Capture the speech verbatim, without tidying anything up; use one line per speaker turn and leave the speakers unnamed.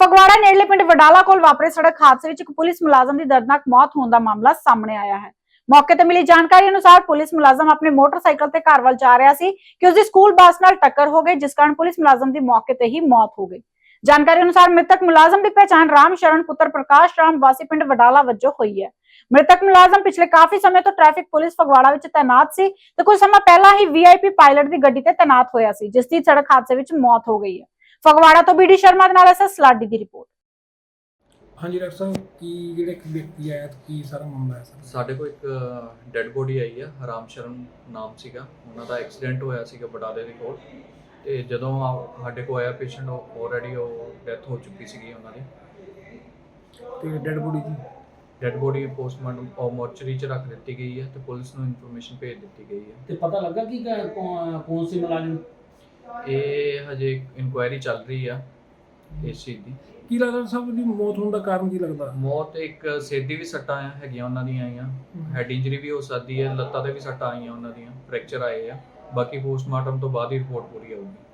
ਫਗਵਾੜਾ ਨੇੜਲੇ ਪਿੰਡ ਵਡਾਲਾ ਕੋਲ ਵਾਪਰੇ ਸੜਕ ਹਾਦਸੇ ਵਿੱਚ ਇੱਕ ਪੁਲਿਸ ਮੁਲਾਜ਼ਮ ਦੀ ਦਰਦਨਾਕ ਮੌਤ ਹੋਣ ਦਾ ਮਾਮਲਾ ਸਾਹਮਣੇ ਆਇਆ ਹੈ। ਮੌਕੇ ਤੇ ਮਿਲੀ ਜਾਣਕਾਰੀ ਅਨੁਸਾਰ ਪੁਲਿਸ ਮੁਲਾਜ਼ਮ ਆਪਣੇ ਮੋਟਰਸਾਈਕਲ ਤੇ ਘਰ ਵੱਲ ਜਾ ਰਿਹਾ ਸੀ ਕਿ ਉਸ ਦੀ ਸਕੂਲ ਬੱਸ ਨਾਲ ਟੱਕਰ ਹੋ ਗਈ, ਜਿਸ ਕਾਰਨ ਪੁਲਿਸ ਮੁਲਾਜ਼ਮ ਦੀ ਮੌਕੇ ਤੇ ਹੀ ਮੌਤ ਹੋ ਗਈ। ਜਾਣਕਾਰੀ ਅਨੁਸਾਰ ਮ੍ਰਿਤਕ ਮੁਲਾਜ਼ਮ ਦੀ ਪਛਾਣ ਰਾਮ ਸ਼ਰਨ ਪੁੱਤਰ ਪ੍ਰਕਾਸ਼ ਰਾਮ ਵਾਸੀ ਪਿੰਡ ਵਡਾਲਾ ਵਜੋਂ ਹੋਈ ਹੈ। ਮ੍ਰਿਤਕ ਮੁਲਾਜ਼ਮ ਪਿਛਲੇ ਕਾਫੀ ਸਮੇਂ ਤੋਂ ਟ੍ਰੈਫਿਕ ਪੁਲਿਸ ਫਗਵਾੜਾ ਵਿੱਚ ਤੈਨਾਤ ਸੀ ਤੇ ਕੁਝ ਸਮਾਂ ਪਹਿਲਾਂ ਹੀ ਵੀਆਈਪੀ ਪਾਇਲਟ ਦੀ ਗੱਡੀ ਤੇ ਤੈਨਾਤ ਹੋਇਆ ਸੀ, ਜਿਸ ਦੀ ਸੜਕ ਹਾਦਸੇ ਵਿੱਚ ਮੌਤ ਹੋ ਗਈ ਹੈ। ਫਗਵਾੜਾ ਤੋਂ ਬੀਡੀ ਸ਼ਰਮਾ ਦੇ ਨਾਲ ਐਸਐਸ ਸਲਾਡੀ ਦੀ ਰਿਪੋਰਟ।
ਹਾਂਜੀ ਡਾਕਟਰ ਸਾਹਿਬ, ਕੀ ਜਿਹੜੇ ਇੱਕ ਵਿਅਕਤੀ ਆਇਆ ਤੇ ਕੀ ਸਾਰਾ ਮਾਮਲਾ ਹੈ ਸਰ?
ਸਾਡੇ ਕੋਲ ਇੱਕ ਡੈੱਡ ਬੋਡੀ ਆਈ ਆ, ਰਾਮ ਸ਼ਰਨ ਨਾਮ ਸੀਗਾ ਉਹਨਾਂ ਦਾ। ਐਕਸੀਡੈਂਟ ਹੋਇਆ ਸੀਗਾ ਬਟਾਲੇ ਦੇ ਕੋਲ, ਤੇ ਜਦੋਂ ਸਾਡੇ ਕੋਲ ਆਇਆ ਪੇਸ਼ੈਂਟ ਆਲਰੇਡੀ ਉਹ ਡੈਥ ਹੋ ਚੁੱਕੀ ਸੀਗੀ ਉਹਨਾਂ ਦੀ।
ਤੇ ਡੈਡ ਬੋਡੀ ਦੀ
ਡੈੱਡ ਬੋਡੀ ਪੋਸਟਮਾਰਟਮ ਉਹ ਮੋਰਚਰੀ 'ਚ ਰੱਖ ਦਿੱਤੀ ਗਈ ਹੈ ਤੇ ਪੁਲਿਸ ਨੂੰ ਇਨਫੋਰਮੇਸ਼ਨ ਭੇਜ ਦਿੱਤੀ ਗਈ ਹੈ।
ਤੇ ਪਤਾ ਲੱਗਾ ਕਿ ਕੌਣ ਸੀ ਮੁਲਾਜ਼ਮ?
ਇਹ ਹਜੇ ਇਨਕੁਆਇਰੀ ਚੱਲ ਰਹੀ ਆ ਇਸ ਚੀਜ਼ ਦੀ।
ਕੀ ਲੱਗਦਾ ਸਭ ਦੀ ਮੌਤ ਹੋਣ ਦਾ ਕਾਰਨ ਕੀ ਲੱਗਦਾ?
ਮੌਤ ਇੱਕ ਸਿਰ ਦੀ ਵੀ ਸੱਟਾਂ ਹੈਗੀਆਂ ਉਹਨਾਂ ਦੀਆਂ ਆਈਆਂ, ਹੈਡ ਇੰਜਰੀ ਵੀ ਹੋ ਸਕਦੀ ਹੈ, ਲੱਤਾਂ ਤੇ ਵੀ ਸੱਟਾਂ ਆਈਆਂ ਉਹਨਾਂ ਦੀਆਂ, ਫ੍ਰੈਕਚਰ ਆਏ ਆ। ਬਾਕੀ ਪੋਸਟਮਾਰਟਮ ਤੋਂ ਬਾਅਦ ਹੀ ਰਿਪੋਰਟ ਪੂਰੀ ਆਊਗੀ।